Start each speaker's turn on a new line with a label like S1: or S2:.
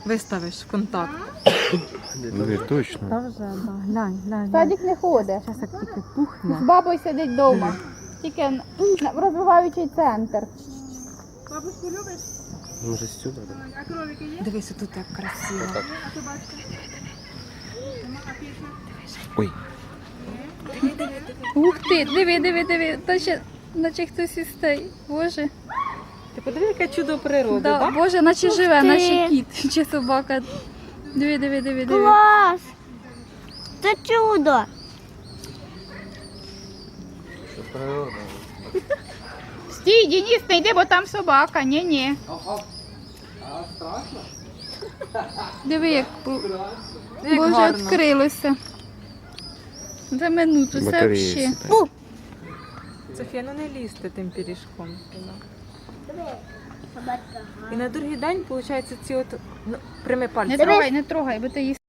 S1: виставиш в контакт.
S2: Не точно.
S1: Та вже, да. Глянь, глянь.
S3: Садик не ходить.
S1: Зараз як тільки пухне.
S3: З бабою сидить вдома. Тільки в розвиваючий центр.
S4: Бабушку любиш?
S2: Може сюди?
S4: А кролики є?
S1: Дивись, тут як красиво.
S4: А собачка? А пісня?
S2: Ой.
S3: Ух ти, диви. Наче хтось із той. Боже.
S1: Ти подиви, яке чудо природи,
S3: Да,
S1: так?
S3: Боже, наче живе,
S5: ти.
S3: наче кіт чи собака. Диви.
S5: Клас! Це чудо!
S2: Це природа.
S3: Стій, Денис, не йди, бо там собака. Ні. Диви, як
S1: Як
S3: Боже,
S1: гарно.
S3: відкрилося. За минуту, все
S2: Батареї
S3: взагалі.
S2: сідають.
S1: Софія, ну не лізьте тим пиріжком. І на другий день, виходить, ці от, ну, прями пальці.
S3: Не трогай, бо ти їсти.